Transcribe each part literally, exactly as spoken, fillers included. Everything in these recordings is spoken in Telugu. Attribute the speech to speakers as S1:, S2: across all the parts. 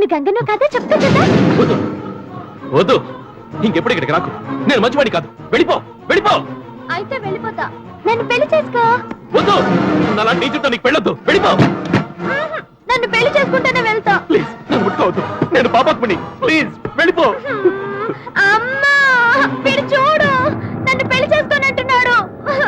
S1: నేను గంగను కాదా చెప్తా కదా.
S2: వద్దు వద్దు, ఇంకెప్పుడు ఇక్కడికి రాకు. నేను మంచివాడి కాదు. వెళ్ళిపో వెళ్ళిపో.
S1: అయితే వెళ్ళిపోతా. నన్ను పెళ్లి చేసుకో.
S2: వద్దు, నాలాంటి నీచుతో నీకు పెళ్ళొద్దు. వెళ్ళిపో.
S1: నన్ను పెళ్లి చేసుకుంటేనే వెళ్తా.
S2: ప్లీజ్ నన్ను ముట్టుకోవద్దు. నేను పాపాత్ముని. ప్లీజ్ వెళ్ళిపో.
S1: అమ్మా వీడు చూడు, నన్ను పెళ్లి చేసుకొని అంటున్నాడు.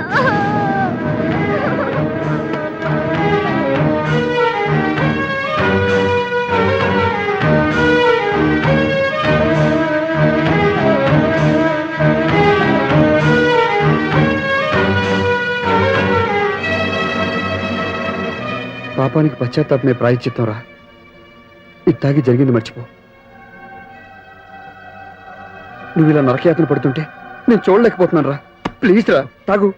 S3: పాపానికి పశ్చాత్తాపమే ప్రాయశ్చిత్తం రా. ఇది తాగి జరిగింది మర్చిపో. నువ్వు ఇలా నరకయాతన పడుతుంటే నేను చూడలేకపోతున్నాను రా. ప్లీజ్ రా తాగు.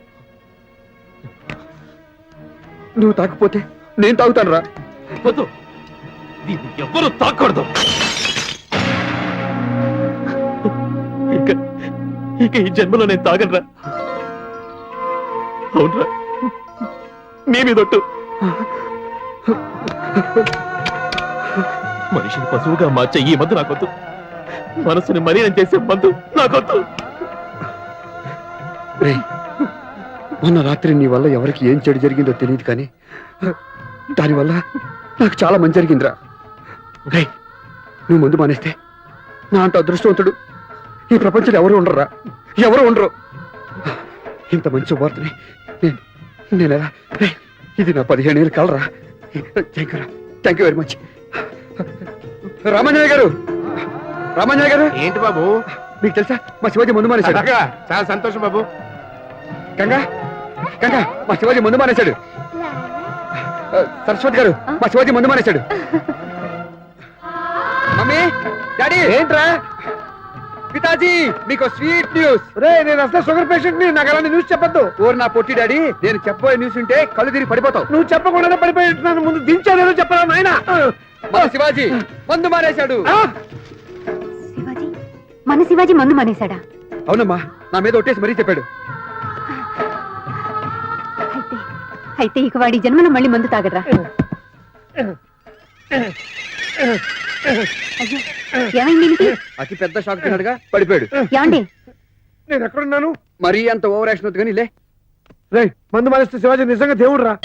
S3: నువ్వు తాకపోతే నేను తాగుతాను రా.
S2: వద్దు, దీన్ని ఎవ్వరూ తాకూడదు. ఇక ఇక ఈ జన్మలో నేను తాగనరా. అవునరా, నీ మీదొట్టు. మనిషిని పశువుగా మార్చే ఈ మందు నాకొద్దు. మనసుని మలీనం చేసే మందు నాకొద్దు.
S3: మొన్న రాత్రి నీ వల్ల ఎవరికి ఏం చెడు జరిగిందో తెలియదు, కానీ దానివల్ల నాకు చాలా మంచి జరిగిందిరా. రే, నువ్వు ముందు మానేస్తే నా అంత అదృష్టవంతుడు ఈ ప్రపంచంలో ఎవరు ఉండరురా. ఎవరు ఉండరు. ఇంత మంచి వార్తని నేను నేను ఎలా ఇది నా పదిహేను ఏళ్ళు కలరా. Thank you thank you very much. Ramanjaneya garu, Ramanjaneya గారు.
S4: ఏంటి బాబు?
S3: మీకు తెలుసా మా శివాజీ ముందు మానేశాడు.
S4: చాలా సంతోషం బాబు.
S3: గంగా గంగా మా శివాజీ ముందు మానేశాడు. సరస్వతి గారు, మా శివాజీ ముందు మానేశాడు. Mummy daddy.
S4: ఏంట్రా?
S3: పితాజీ మీకు స్వీట్ న్యూస్.
S4: రే, నేను అసలు షుగర్ పేషెంట్ ని, నాకు అలాంటి న్యూస్ చెప్పొద్దు.
S3: ఓరు నా పొట్టి డాడీ, నేను చెప్పబోయే న్యూస్ ఉంటే కళ్ళు తిరిగి పడిపోతావు.
S4: నువ్వు చెప్పకుండానే పడిపోయి ఉంటున్నాను. ముందు దించాలేదో చెప్పరా నాయన.
S3: మా శివాజీ మందు మానేశాడు.
S1: శివాజీ మన శివాజీ మందు మానేశాడా?
S3: అవునమ్మా, నా మీద ఒట్టేసి మరీ చెప్పాడు.
S1: అయితే అయితే ఇక వాడి జన్మలో మళ్ళీ మందు తాగడరా. ఏమైంది?
S3: అతి పెద్ద షాక్ తిన్నాడుగా, పడిపోయాడు.
S1: ఏమండి,
S4: నేను ఎక్కడున్నాను?
S3: మరీ అంత ఓవర్ యాక్షన్ వద్దు కానీ లే.
S4: రే, మందు మానేస్తే శివాజీ నిజంగా దేవుడు రా.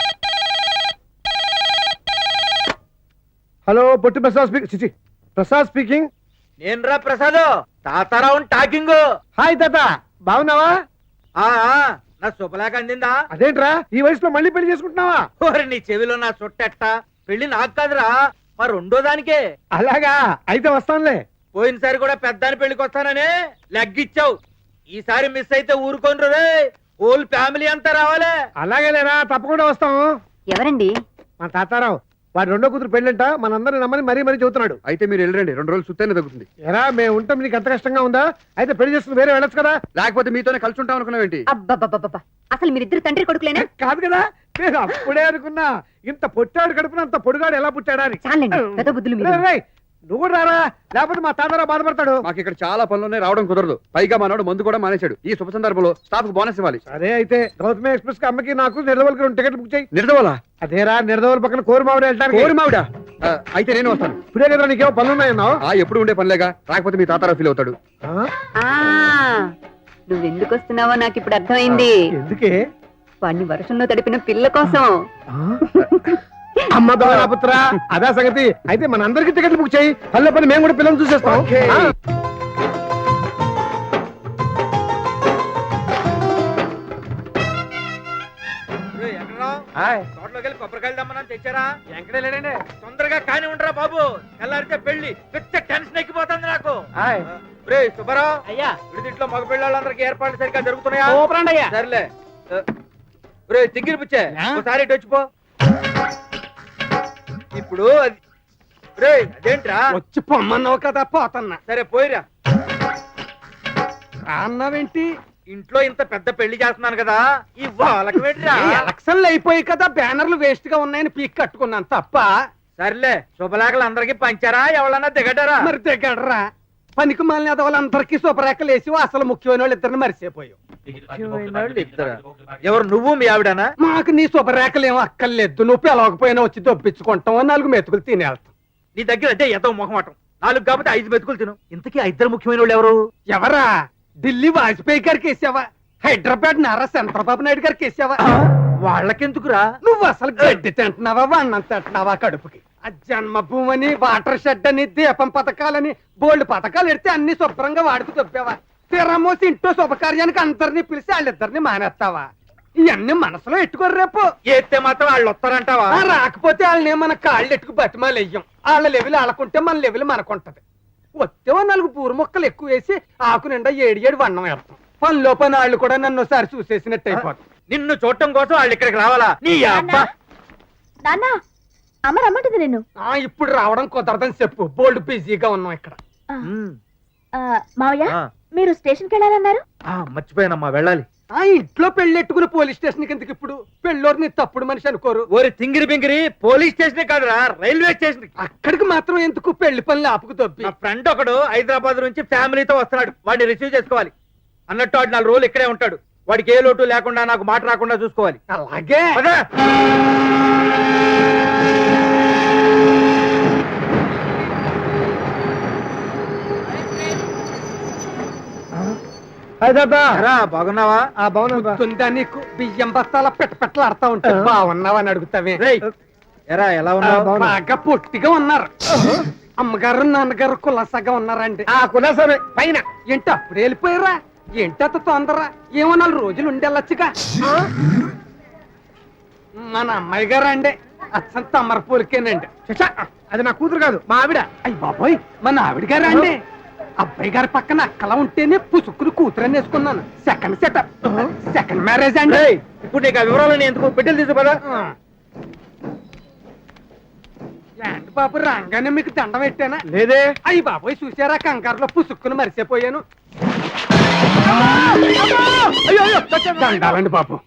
S4: Hello, Potti Prasad speaking. చిచి ప్రసాద్ స్పీకింగ్.
S5: నేను రా ప్రసాద్, తాతారావు టాకింగ్.
S4: హాయ్ తాత, బాగున్నావా?
S5: ఆ నా శుభలేఖ అందిందా?
S4: అదేంట్రా ఈ వయసులో మళ్ళీ పెళ్లి చేసుకుంటున్నావా?
S5: ఓరి నీ చెవిలో నా చుట్టెట్ట. పెళ్లి నాకు కాదురా, మా రెండో దానికే.
S4: అలాగా, అయితే వస్తానులే.
S5: పోయినసారి కూడా పెద్దాని పెళ్లికి వస్తానని లెగ్గిచ్చావు. ఈసారి మిస్ అయితే ఊరుకోనరు రే. హోల్ ఫ్యామిలీ అంతా రావాలే.
S4: అలాగే లేరా, తప్పకుండా వస్తాము.
S1: ఎవరండి?
S4: మా తాతారావు, వాడు రెండో కూతురు పెళ్ళంట, మనందరిని నమ్మని మరీ మరీ చెబుతున్నాడు.
S3: అయితే మీరు వెళ్ళండి, రెండు రోజులు సుత్తైనా తగ్గుతుంది.
S4: ఎరా, మేము ఉంటాం, నీకు ఎంత కష్టంగా ఉందా? అయితే పెళ్లి చేసుకుని వేరే వెళ్ళొచ్చు కదా.
S3: లేకపోతే మీతోనే కలిసి ఉంటాం అనుకున్నావేంటి?
S1: అబ్బబ్బబ్బబ్బా, అసలు మీరిద్దరు తండ్రి కొడుకులేనా?
S4: కాదు కదా, నేను అప్పుడే అనుకున్నా ఇంత పొట్టాడు కడుపున అంత పొడుగాడు ఎలా పుట్టాడా అని.
S1: చాలండి, పెద్ద బుద్ధులు మీరు.
S4: రేయ్, రేయ్, నువ్వు కూడా రారా, లేకపోతే మా తాతారావు బాధపడతాడు.
S3: మాకు ఇక్కడ చాలా పనులున్నాయి, రావడం కుదరదు. పైగా మానాడు మందు కూడా మానేశాడు. ఈ శుభ సందర్భంలో స్టాఫ్ కు బోనస్ ఇవ్వాలి.
S4: సరే, అయితే గౌతమి ఎక్స్ప్రెస్ కి అమ్మకి నాకు నిర్దవల్కి రెండు టికెట్ బుక్ చేయి.
S3: నిర్దవలా?
S4: అదేరా, నిర్దవల్ పక్కన కోరుమావిడ వెళ్ళడానికి.
S3: కోరుమావిడ? అయితే నేను వస్తాను.
S4: ఇప్పుడే కదా నీకేమో పనులున్నాయన్నావు.
S3: ఆ ఎప్పుడు ఉండే పనిలేగా, రాకపోతే మీ తాతారావు ఫీల్ అవుతాడు.
S1: నువ్వెందుకు వస్తున్నావో నాకు ఇప్పుడు అర్థమైంది.
S4: ఎందుకే?
S1: వాడిని వర్షంలో తడిపిన పిల్ల కోసం.
S4: అమ్మ పుత్ర, అదా సంగతి. అయితే మన అందరికి టికెట్లు బుక్ చేయి. పల్లె పని మేము కూడా పిల్లలు చూసేస్తాం.
S5: తోటలోకి వెళ్ళి కొబ్బరికాయలు దమ్మని తెచ్చారా? ఎక్కడే లేదండి. తొందరగా కాని ఉండరా బాబు, తెల్లారితే పెళ్లి. పిచ్చ టెన్షన్ ఎక్కిపోతుంది నాకు. రే సుబ్బారావు, అయ్యా విడిదింట్లో మగ పిల్లలందరికీ ఏర్పాట్లు సరిగ్గా జరుగుతున్నాయా? సర్లే. రే చిగ్గిరి పుచ్చే, ఒకసారి ఇటు వచ్చిపో. ఇప్పుడు రే అదేంట్రా?
S4: వచ్చి పొమ్మన్నావు కదా, పోతన్నా.
S5: సరే పోయిరా.
S4: అన్నావేంటి?
S5: ఇంట్లో ఇంత పెద్ద పెళ్లి చేస్తున్నాను కదా, ఈ వాళ్ళకి పెట్టిరా.
S4: ఎలక్షన్లు అయిపోయి కదా, బ్యానర్లు వేస్ట్ గా ఉన్నాయని పీక్ కట్టుకున్నాను తప్ప.
S5: సర్లే, శుభలేఖలు అందరికి పంచారా? ఎవరన్నా దిగడారా?
S4: మరి దిగడరా. పనికి మాలిన వాళ్ళందరికీ శుభరేఖలు వేసి అసలు ముఖ్యమైన వాళ్ళు ఇద్దరిని మరిసిపోయావు.
S5: ఎవరు, నువ్వు మీ ఆవిడనా?
S4: మాకు నీ శుభరేఖలు ఏమో అక్కర్లేదు, నువ్వు పిలవకపోయినా వచ్చి దొప్పించుకుంటాం, నాలుగు మెతుకులు తినేస్తాం.
S5: నీ దగ్గర అదే ఎంతో మొహమాటం. నాలుగు కాబట్టి ఐదు బతుకులు తిను. ఇంతకీ ఆ ఇద్దరు ముఖ్యమైన వాళ్ళు ఎవరు?
S4: ఎవరా? ఢిల్లీ వాజ్పేయి గారికి వేసావా? హైదరాబాద్ నారా చంద్రబాబు నాయుడు గారికి వేసావా?
S5: వాళ్ళకెందుకురా?
S4: నువ్వు అసలు గడ్డి తింటున్నావా, వన్నం తింటున్నావా కడుపుకి? ఆ జన్మభూమని, వాటర్ షెడ్ అని, దీపం పథకాలని బోల్డ్ పథకాలు ఎడితే అన్ని శుభ్రంగా వాడుకు తొప్పావా? తిరమోసి ఇంట్లో శుభకార్యానికి అందరినీ పిలిచి వాళ్ళిద్దరిని మానేస్తావా? ఇవన్నీ మనసులో ఎట్టుకోరు. రేపు
S5: ఎత్తే మాత్రం వాళ్ళు వస్తారంటావా?
S4: ఆ, రాకపోతే వాళ్ళని మన కాళ్ళు ఎట్టుకు బతిమాలు వెయ్యం. వాళ్ళ లెవెల్ వాళ్ళకుంటే మన లెవెల్ మనకుంటది. వస్తే నాలుగు పూరు మొక్కలు ఎక్కువ వేసి ఆకు నిండా ఏడు ఏడు వన్నం వేస్తాం. పనిలో పని వాళ్ళు కూడా నన్ను ఒకసారి చూసేసినట్టు అయిపోతుంది.
S5: నిన్ను చూడటం కోసం వాళ్ళు ఇక్కడికి రావాలా? నీ అబ్బా
S1: నాన్న అమ్మ రమ్మంటుంది నిన్ను.
S4: ఆ, ఇప్పుడు రావడం కుదరదని చెప్పు. బోల్డ్ బిజీగా ఉన్నాం ఇక్కడ.
S5: ఉమ్,
S1: మావయ్య
S5: ఆ,
S1: మీరు స్టేషన్కి వెళ్ళాలన్నారు.
S5: ఆ, మర్చిపోయానమ్మా, వెళ్ళాలి.
S4: ఆ ఇంట్లో పెళ్ళెట్టుకుని పోలీస్ స్టేషన్ కిందకి ఇప్పుడు పెళ్ళోరిని తప్పుడు మనిషి అనుకోరు.
S5: ఓరి తింగిరి బింగిరి, పోలీస్ స్టేషన్ కాదురా, రైల్వే స్టేషన్.
S4: అక్కడికి మాత్రం ఎందుకు పెళ్లి పనులు ఆపుకు దొబ్బి?
S5: నా ఫ్రెండ్ ఒకడు హైదరాబాద్ నుంచి ఫ్యామిలీతో వస్తున్నాడు. వాడిని రిసీవ్ చేసుకోవాలి. అన్నట్టు వాడు నాలుగు రోజులు ఇక్కడే ఉంటాడు. వాడికి ఏ లోటు లేకుండా నాకు మాట రాకుండా చూసుకోవాలి.
S4: అలాగే.
S5: పద. రా, బాగున్నావా?
S4: గుర్తుందా నీకు? బియ్యం బస్తాల పెట్ట పెట్టలాడుతా ఉంటే బాగున్నావా అని అడుగుతావే.
S5: రేయ్, ఎరా ఎలా ఉన్నావు?
S4: బాగా పొట్టిగా ఉన్నారు. అమ్మగారు నాన్నగారు కులాసగా ఉన్నారండి.
S5: ఆ కులాసమే పైన.
S4: ఏంటి అప్పుడు వెళ్ళిపోయారా? ఏంటి అంత తొందర? ఏమో నాలుగు రోజులు ఉండెళ్ళొచ్చుగా. మన అమ్మాయి గారు అండి అచ్చం తమ్మర పూలకేనండి.
S5: అది నా కూతురు కాదు, మా ఆవిడ.
S4: అయ్యి బాబోయ్, మన ఆవిడ గారు అండి. అబ్బాయి గారి పక్కన అక్కలా ఉంటేనే పుసుక్కుని కూతురని వేసుకున్నాను. సెకండ్ సెటప్, సెకండ్ మ్యారేజ్ అండి.
S5: రేయ్, ఇప్పుడు నీకు ఆ వివరాలని ఎందుకు? పెట్టెలు తీసు పదా.
S4: ఏంటి బాబు రాగానే మీకు దండం పెట్టానా?
S5: లేదే.
S4: అయ్యి బాబోయ్, చూసారా కంగారులో పుసుక్కుని మరిసిపోయాను. దండాలండి బాబు.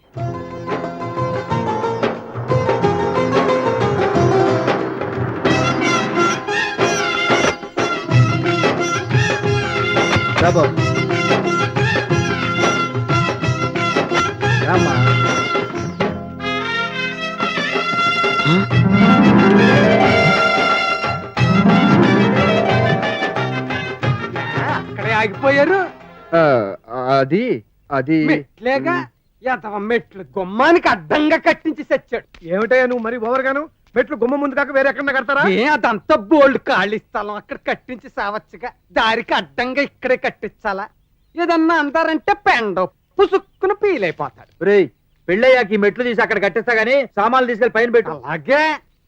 S5: బాబు రామ్మా.
S4: అక్కడే ఆగిపోయారు.
S3: అది అది
S4: మెట్లేగా ఎంతవ మెట్లు గుమ్మానికి అడ్డంగా కట్టించి చచ్చాడు.
S5: ఏమిటయ్యా నువ్వు మరి ఓవర్గాను? మెట్లు గుమ్మ ముందు కాక వేరే ఎక్కడ కడతారా?
S4: ఏ అదంతా బోల్డ్ ఖాళీ స్థలం, అక్కడ కట్టించి సావచ్చుగా. దారికి అడ్డంగా ఇక్కడే కట్టించాలా? ఏదన్నా అంటారంటే పెండ పుసుక్కును పీలైపోతాడు.
S5: రేయ్, పెళ్ళయ్యాక ఈ మెట్లు తీసి అక్కడ కట్టిస్తా గానీ సామాన్లు తీసుకెళ్లి పైన పెట్టు.
S4: అలాగే.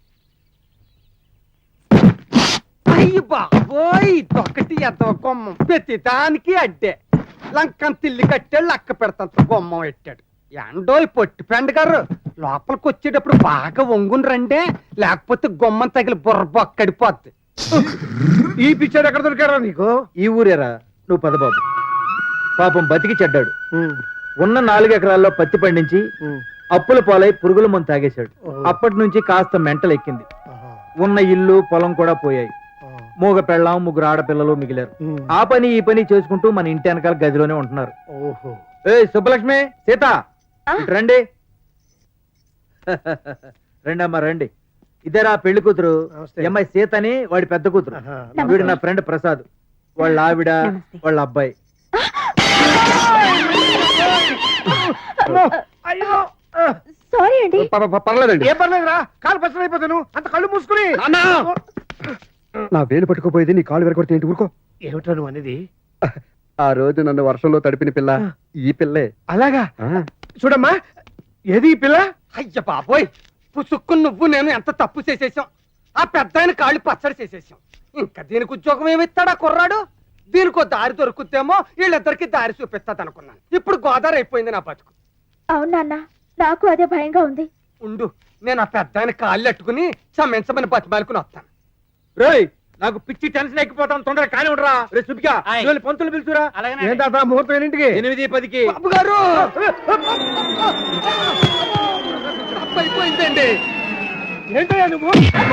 S4: అయ్యి బాబోయ్, ఇదొకటి ఎదవ గుమ్మం. ప్రతి దానికి అడ్డే. లంకం తిల్లి కట్టాడు, లక్క పెడతాంత గుమ్మం పెట్టాడు. ఎండో పొట్టి పెండ గారు లోపలికి వచ్చేటప్పుడు బాగా వంగుని రండే, లేకపోతే గుమ్మం తగిలి బుర్ర బొక్కడిపోద్ది.
S5: ఈ పిక్చర్ ఎక్కడ దొరికారా నీకు? ఈ ఊరేరా. నువ్వు పద బాబు. పాపం బతికి చెడ్డాడు. ఉన్న నాలుగు ఎకరాల్లో పత్తి పండించి అప్పుల పాలై పురుగుల మందు తాగేశాడు. అప్పటి నుంచి కాస్త మెంటలు ఎక్కింది. ఉన్న ఇల్లు పొలం కూడా పోయాయి. మూగ పెళ్ళాం, ముగ్గురు ఆడపిల్లలు మిగిలారు. ఆ పని ఈ పని చేసుకుంటూ మన ఇంటి వెనకాల గదిలోనే ఉంటున్నారు. ఏ సుబ్బలక్ష్మి, సీత, ఇటు రండి. రండమ్మా రండి. ఇదేరా పెళ్లి కూతురు. అమ్మాయి సీత అని వాడి పెద్ద కూతురు. వీడు నా ఫ్రెండ్ ప్రసాద్, వాళ్ళ ఆవిడ, వాళ్ళ అబ్బాయి.
S1: సారీ అండి.
S3: పర్లేదండి.
S5: ఏ పర్లేదురా, కాలు పచ్చడి అయిపోతాను. అంత కళ్ళు మూసుకుని.
S3: నా వేలు పట్టుకోపోయేది నీ కాళ్ళు వెరకొడితే ఏంటి? ఊరుకో.
S5: ఏమిటా నువ్వు అనేది?
S3: ఆ రోజు నన్ను వర్షంలో తడిపిన పిల్ల ఈ పిల్లే.
S5: అలాగా?
S3: ఆ,
S5: చూడమ్మా, ఏది ఈ పిల్ల?
S4: అయ్య బాబోయ్, పుసుక్కుని నువ్వు నేను ఎంత తప్పు చేసేసాం. ఆ పెద్ద ఆయన కాళ్ళు పచ్చడి చేసేసాం. ఇంకా దీనికి ఉద్యోగం ఏమిస్తాడా కుర్రాడు? దీనికో దారి దొరుకుతేమో వీళ్ళిద్దరికి దారి చూపిస్తాది అనుకున్నాను. ఇప్పుడు గోదావరి అయిపోయింది నా బతుకు.
S1: అవును నాన్న, నాకు అదే భయంగా ఉంది.
S4: ఉండు, నేను ఆ పెద్ద ఆయన కాళ్ళు అట్టుకుని క్షమించమని బతిమాలుకుని వస్తాను.
S5: రేయ్, నాకు పిచ్చి టెన్షన్ ఎక్కిపోతాను. తొందరగా కాని ఉండరా. రే సుబ్బిగా, ఇవాళ పంతులు పిలుచురా. ఏంటా ముహూర్తం ఎన్నింటికి? ఎనిమిది పదికి.
S4: బాబు గారు, అయిపోయిందండి.
S5: ఏంటయ్యా నువ్వు?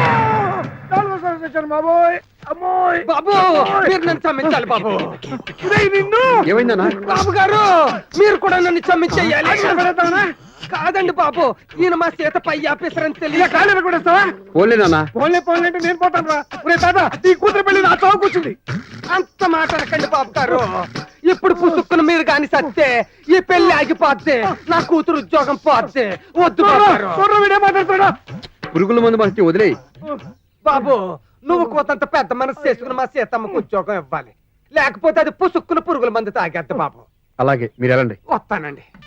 S5: బాబోయ్, అమ్మోయ్.
S4: బాబు, మీరు నన్ను క్షమించాలి బాబు.
S5: రేయ్, నిన్ను.
S3: ఏమైందన్నా?
S4: బాబు గారు, మీరు కూడా నన్ను క్షమించేయాలి. కాదండి బాబు ఈయన మా సీత పై ఆఫీసర్ అని తెలియ కాలేదు కూడా సార్
S3: పోలే నాన్న
S4: పోన్లే పోన్లే అంటే నేను పోతాను రా ఒరే తాత ఈ కూతురు పెళ్లి నా చౌక కూర్చుంది అంత మాట అనకండి బాబు గారు ఇప్పుడు పుసుక్కును మీరు కాని సత్తే ఈ పెళ్లి ఆగిపోద్ది నా కూతురు ఉద్యోగం పోద్ది వద్దు మాట్లాడుతున్నా
S3: పురుగుల మందు మనకి వదిలేయి
S4: బాబు నువ్వు కోతంత పెద్ద మనసు చేసుకుని మా సీతమ్మకు ఉద్యోగం ఇవ్వాలి లేకపోతే అది పుసుక్కును పురుగుల మంది తాగేద్ది బాబు
S3: అలాగే మీరు వెళ్ళండి
S4: వస్తానండి